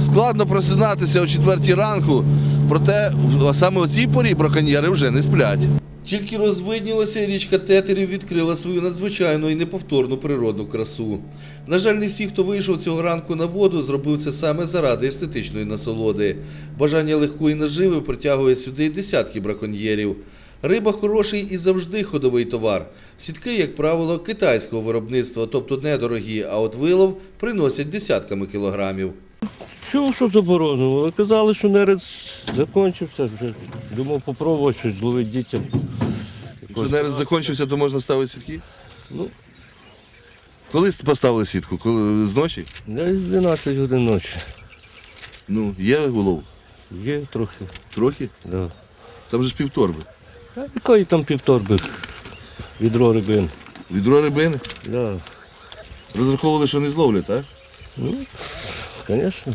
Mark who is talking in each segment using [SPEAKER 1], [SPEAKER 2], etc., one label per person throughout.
[SPEAKER 1] Складно просинатися о 4 ранку, проте саме о цій порі браконьєри вже не сплять. Тільки розвиднілася, річка Тетерів відкрила свою надзвичайну і неповторну природну красу. На жаль, не всі, хто вийшов цього ранку на воду, зробив це саме заради естетичної насолоди. Бажання легкої наживи притягує сюди десятки браконьєрів. Риба – хороший і завжди ходовий товар. Сітки, як правило, китайського виробництва, тобто недорогі, а от вилов приносять десятками кілограмів.
[SPEAKER 2] Чого, що заборонено? Казали, що нерест закінчився. Вже думав, попробувати щось зловити дітям.
[SPEAKER 1] Якщо нерест закінчився, то можна ставити сітки?
[SPEAKER 2] Ну,
[SPEAKER 1] Коли поставили сітку? Коли? З ночі?
[SPEAKER 2] десь 12 годин ночі.
[SPEAKER 1] Ну, є улов?
[SPEAKER 2] Є трохи.
[SPEAKER 1] Трохи?
[SPEAKER 2] Да.
[SPEAKER 1] Там же ж півторби.
[SPEAKER 2] А якої там півторби? Відро рибин.
[SPEAKER 1] Відро рибини?
[SPEAKER 2] Да.
[SPEAKER 1] Розраховували, що не зловлять, так?
[SPEAKER 2] Ну, звісно.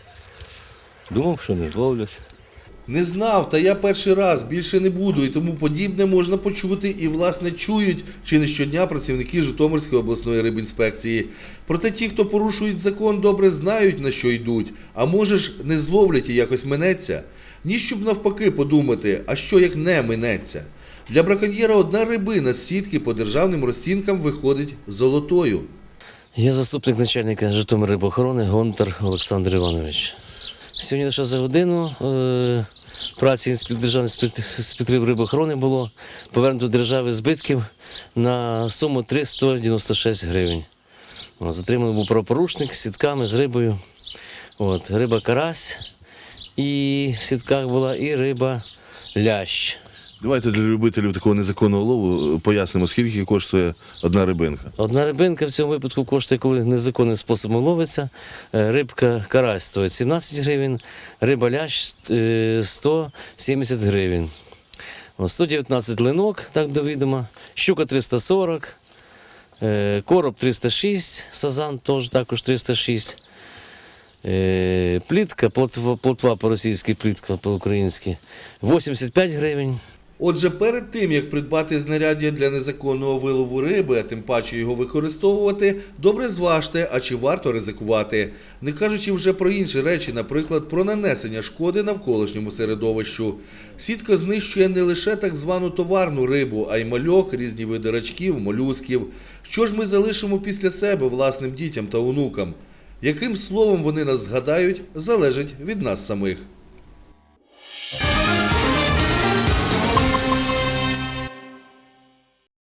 [SPEAKER 2] Думав, що не зловлять.
[SPEAKER 1] Не знав, та я перший раз, більше не буду, і тому подібне можна почути і, власне, чують чи не щодня працівники Житомирської обласної рибінспекції. Проте ті, хто порушують закон, добре знають, на що йдуть, а може ж не зловлять і якось минеться. Ні, щоб навпаки подумати, а що як не минеться. Для браконьєра одна рибина з сітки по державним розцінкам виходить золотою.
[SPEAKER 3] Я заступник начальника Житомиррибоохорони Гонтар Олександр Іванович. Сьогодні лише за годину праці Державної інспекторів рибоохорони було повернуто державі збитків на суму 396 гривень. Затриманий був правопорушник з сітками, з рибою. Риба карась, і в сітках була і риба лящ.
[SPEAKER 1] Давайте для любителів такого незаконного лову пояснимо, скільки коштує одна рибинка.
[SPEAKER 3] Одна рибинка в цьому випадку коштує, коли незаконним способом ловиться. Рибка карась стоїть 17 гривень, риба лящ 170 гривень. 119 линок, так до відома, щука 340, короб 306, сазан теж також 306. Плітка, плотва по-російськи, плітка по-українськи 85 гривень.
[SPEAKER 1] Отже, перед тим, як придбати знаряддя для незаконного вилову риби, а тим паче його використовувати, добре зважте, а чи варто ризикувати. Не кажучи вже про інші речі, наприклад, про нанесення шкоди навколишньому середовищу. Сітка знищує не лише так звану товарну рибу, а й мальок, різні види рачків, молюсків. Що ж ми залишимо після себе власним дітям та онукам? Яким словом вони нас згадають, залежить від нас самих.